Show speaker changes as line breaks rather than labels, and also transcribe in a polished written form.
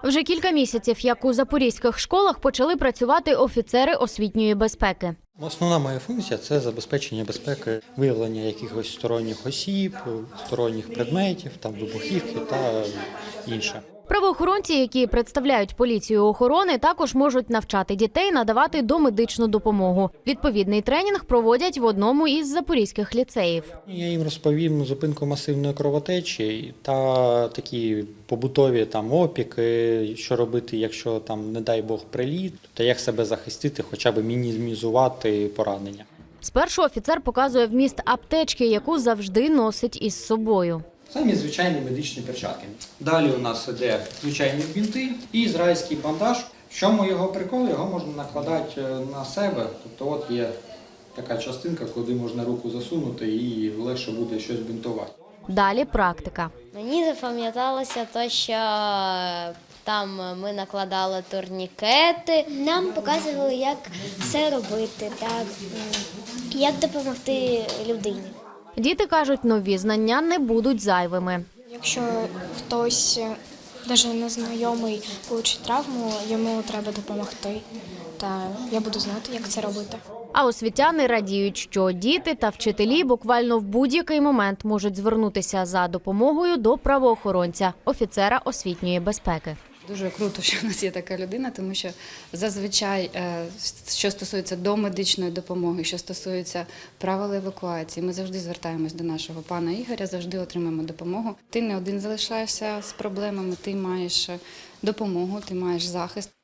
Вже кілька місяців, як у запорізьких школах почали працювати офіцери освітньої безпеки.
Основна моя функція – це забезпечення безпеки, виявлення якихось сторонніх осіб, сторонніх предметів, вибухівки та інше.
Правоохоронці, які представляють поліцію охорони, також можуть навчати дітей надавати домедичну допомогу. Відповідний тренінг проводять в одному із запорізьких ліцеїв.
Я їм розповім зупинку масивної кровотечі та такі побутові опіки, що робити, якщо не дай Бог приліт, та як себе захистити, хоча б мінімізувати поранення.
Спершу офіцер показує вміст аптечки, яку завжди носить із собою.
Самі звичайні медичні перчатки. Далі у нас іде звичайні бінти і ізраїльський бандаж. В чому його прикол? Його можна накладати на себе. Тобто от є така частинка, куди можна руку засунути і легше буде щось бінтувати.
Далі практика.
Мені запам'яталося те, що там ми накладали турнікети.
Нам показували, як все робити, як допомогти людині.
Діти кажуть, нові знання не будуть зайвими.
Якщо хтось, навіть незнайомий, получить травму, йому треба допомогти. Та я буду знати, як це робити.
А освітяни радіють, що діти та вчителі буквально в будь-який момент можуть звернутися за допомогою до правоохоронця, офіцера освітньої безпеки.
Дуже круто, що в нас є така людина, тому що зазвичай, що стосується домедичної допомоги, що стосується правил евакуації, ми завжди звертаємось до нашого пана Ігоря, завжди отримаємо допомогу. Ти не один залишаєшся з проблемами, ти маєш допомогу, ти маєш захист.